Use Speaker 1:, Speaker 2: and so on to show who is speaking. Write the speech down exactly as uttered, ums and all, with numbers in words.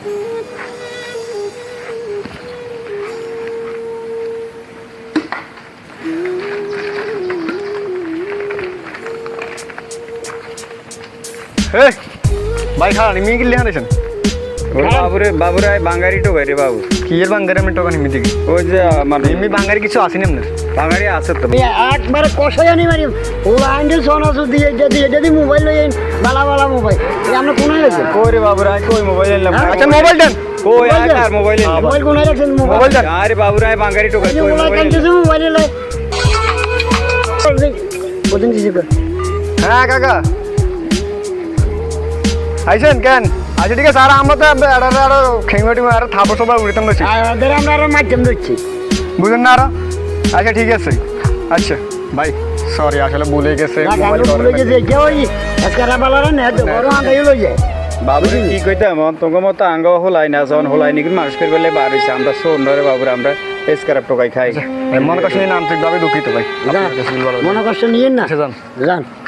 Speaker 1: এই ভাই খান মি কি লিখা দিছেন
Speaker 2: বাবুরে বাবুরে বাঙালি টোকাই রে বাবু
Speaker 1: কি এর বাঙ্গারে আমি টোকা নিমি দিকে
Speaker 2: ওই যে মানে
Speaker 1: এমনি বাঙ্গারি কিছু আসেনি আপনার
Speaker 2: বাঙালি আছে তো
Speaker 3: একবারে কষাই আনি মারি ও আইন্ডে সোনাসু দিয়ে যদি যদি মোবাইল লই বালা বালা মোবাইল আমরা কোনায় আছে
Speaker 2: কই রে বাবুরা কই মোবাইল নিলাম
Speaker 1: আচ্ছা মোবাইল দেন
Speaker 2: কই আর মোবাইল নিলাম
Speaker 3: মোবাইল কোনায় রাখছেন
Speaker 1: মোবাইল
Speaker 3: মোবাইল
Speaker 1: দেন
Speaker 2: আরে বাবুরা বাঙালি টোকাই কই
Speaker 3: মোবাইল
Speaker 2: মোবাইল
Speaker 3: কানতে মোবাইল লই বদিন দিছে
Speaker 1: হ্যাঁ কাকা আইছেন কেন আচ্ছা ঠিক আছে আর আমরা তো আরো আরো খেঙ্গটি আর থাপো সবাই উড়িতাম বেশি
Speaker 3: আর আমরা আর মাধ্যম দিচ্ছি
Speaker 1: বুঝেন না আরো আচ্ছা ঠিক আছে আচ্ছা ভাই সরি আসলে ভুলে গেছে মোবাইল
Speaker 3: বলে যে যে ওই আজকারা বালারা না তো বড় আঙ্গাই লই যায়
Speaker 2: বাবু কি কইতাম তোমার মতো আঙ্গ হলাই না যখন হলাই নি মানুষ করে বলে বার হইছে আমরা শোন রে বাবুরা আমরা এসকারাপ টোকাই খাই
Speaker 1: মনে কষ্ট নিয়ে আন্তরিকভাবে দুঃখিত ভাই
Speaker 3: মনে কষ্ট নিয়েন না
Speaker 1: আচ্ছা যান
Speaker 3: যান